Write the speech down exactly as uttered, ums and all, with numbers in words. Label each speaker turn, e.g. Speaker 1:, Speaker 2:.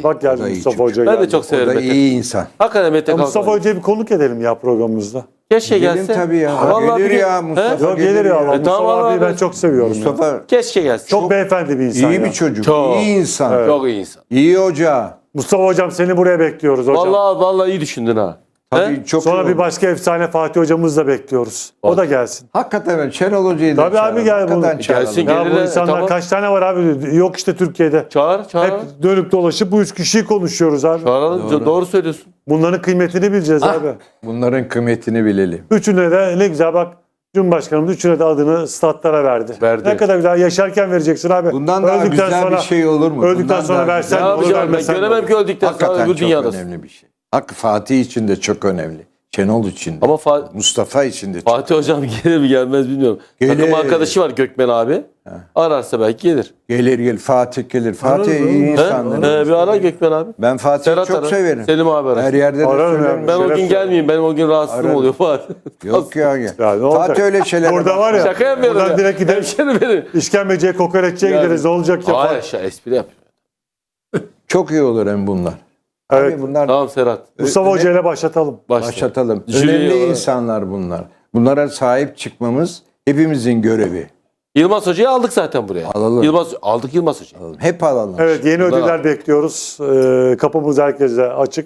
Speaker 1: iyi.
Speaker 2: Bak
Speaker 1: O da
Speaker 2: geldi
Speaker 1: iyi
Speaker 2: Mustafa
Speaker 1: çocuk.
Speaker 2: Hoca
Speaker 3: Ben de
Speaker 2: geldi.
Speaker 3: çok
Speaker 1: O
Speaker 3: severim
Speaker 1: da
Speaker 3: Mete.
Speaker 1: iyi insan.
Speaker 3: Hakikaten Mete
Speaker 2: Ya Mustafa
Speaker 3: Kalkan.
Speaker 2: Hoca'yı bir konuk edelim ya programımızda.
Speaker 3: Keşke
Speaker 1: Gelin
Speaker 3: gelse.
Speaker 1: tabii ya.
Speaker 3: Vallahi
Speaker 1: Gelir
Speaker 3: bir-
Speaker 1: ya Mustafa.
Speaker 3: He?
Speaker 2: Yok gelir ya. Mustafa
Speaker 3: tamam
Speaker 2: abiyi
Speaker 3: abi.
Speaker 2: ben çok seviyorum. ya.
Speaker 1: Mustafa
Speaker 3: Keşke gelse.
Speaker 2: Çok,
Speaker 3: Çok,
Speaker 2: beyefendi bir insan
Speaker 1: iyi
Speaker 2: ya.
Speaker 1: bir çocuk.
Speaker 3: Çok.
Speaker 1: İyi insan.
Speaker 3: çok iyi insan.
Speaker 1: İyi hoca.
Speaker 2: Mustafa Hocam seni buraya bekliyoruz hocam.
Speaker 3: Vallahi vallahi iyi düşündün ha.
Speaker 1: Tabii
Speaker 3: He?
Speaker 1: çok
Speaker 2: Sonra
Speaker 1: iyi
Speaker 2: bir
Speaker 1: oldu.
Speaker 2: başka efsane Fatih Hocamızı da bekliyoruz. O da gelsin.
Speaker 1: Hakikaten evet. Şenol Hoca'yı da
Speaker 2: Tabii abi
Speaker 1: çağıralım.
Speaker 2: gel
Speaker 1: Hakikaten
Speaker 2: bunu.
Speaker 1: çağıralım.
Speaker 3: Gelsin,
Speaker 2: Ya bu
Speaker 3: Gelirler,
Speaker 2: insanlar
Speaker 3: tamam.
Speaker 2: kaç tane var abi? Yok işte Türkiye'de.
Speaker 3: Çağır, çağır.
Speaker 2: Hep dönüp dolaşıp bu üç kişiyi konuşuyoruz abi.
Speaker 3: Çağıralım. Doğru. doğru söylüyorsun.
Speaker 2: Bunların kıymetini bileceğiz
Speaker 3: Ah.
Speaker 2: abi.
Speaker 1: Bunların kıymetini bilelim.
Speaker 2: Üçüne de ne güzel bak. Cumhurbaşkanımız üçüne de adını statlara verdi.
Speaker 3: Verdi.
Speaker 2: Ne kadar güzel. Yaşarken vereceksin abi.
Speaker 1: Bundan daha
Speaker 2: Öldükten
Speaker 1: güzel
Speaker 2: sonra,
Speaker 1: bir şey olur mu?
Speaker 2: Öldükten
Speaker 1: Bundan
Speaker 2: sonra
Speaker 1: daha
Speaker 2: versen
Speaker 3: Ne
Speaker 2: de olur,
Speaker 3: yapacağım ben?
Speaker 2: vermesen de
Speaker 3: Göremem
Speaker 2: olur.
Speaker 3: ki öldükten sonra
Speaker 1: Hakikaten
Speaker 3: öbür
Speaker 1: çok
Speaker 3: dünyadasın.
Speaker 1: önemli bir şey. Hakkı Fatih için de çok önemli. Şenol için de.
Speaker 3: Ama Fa-
Speaker 1: Mustafa için de çok.
Speaker 3: Fatih Hocam gelir mi gelmez bilmiyorum.
Speaker 1: Gelir.
Speaker 3: Takım arkadaşı var Gökmen abi. Ararsa belki gelir.
Speaker 1: Gelir gelir Fatih gelir. Fatih
Speaker 2: Ararım.
Speaker 1: iyi
Speaker 3: He?
Speaker 1: insandır.
Speaker 3: He, bir ara Gökmen abi.
Speaker 1: Ben Fatih'i
Speaker 3: Serhat
Speaker 1: çok
Speaker 3: arar.
Speaker 1: severim.
Speaker 3: Selim abi arar.
Speaker 1: Her yerde de
Speaker 2: Ararım
Speaker 1: söylerim.
Speaker 2: yani.
Speaker 3: Ben o
Speaker 2: Şeref
Speaker 3: gün
Speaker 2: ya.
Speaker 3: gelmeyeyim. Benim o gün rahatsızlığım
Speaker 1: Ararım.
Speaker 3: oluyor Fatih.
Speaker 1: Yok ya. ya.
Speaker 2: Ya ne olacak?
Speaker 1: Fatih öyle şeyler.
Speaker 2: Burada var ya.
Speaker 3: Şaka yapmıyorum
Speaker 2: Buradan
Speaker 3: ya.
Speaker 2: direkt gideriz.
Speaker 3: Hemşerim benim.
Speaker 2: İşkembeciye, kokoreççiye
Speaker 3: Yani-
Speaker 2: gideriz. Ne olacak ya?
Speaker 3: Hayır aşağı espri yap.
Speaker 1: Çok iyi olur hem bunlar.
Speaker 2: Evet.
Speaker 1: Tabii bunlar
Speaker 3: Tamam Serhat.
Speaker 2: Mustafa Hoca ile başlatalım.
Speaker 3: Başla.
Speaker 1: başlatalım.
Speaker 3: Jüri
Speaker 1: Önemli
Speaker 3: olarak.
Speaker 1: insanlar bunlar. Bunlara sahip çıkmamız hepimizin görevi.
Speaker 3: Yılmaz Hoca'yı aldık zaten buraya.
Speaker 1: Alalım.
Speaker 3: Yılmaz, aldık Yılmaz Hoca'yı.
Speaker 1: Hep alalım.
Speaker 2: Evet yeni
Speaker 3: Bunlar-
Speaker 2: ödüller bekliyoruz. Ee, kapımız herkese açık.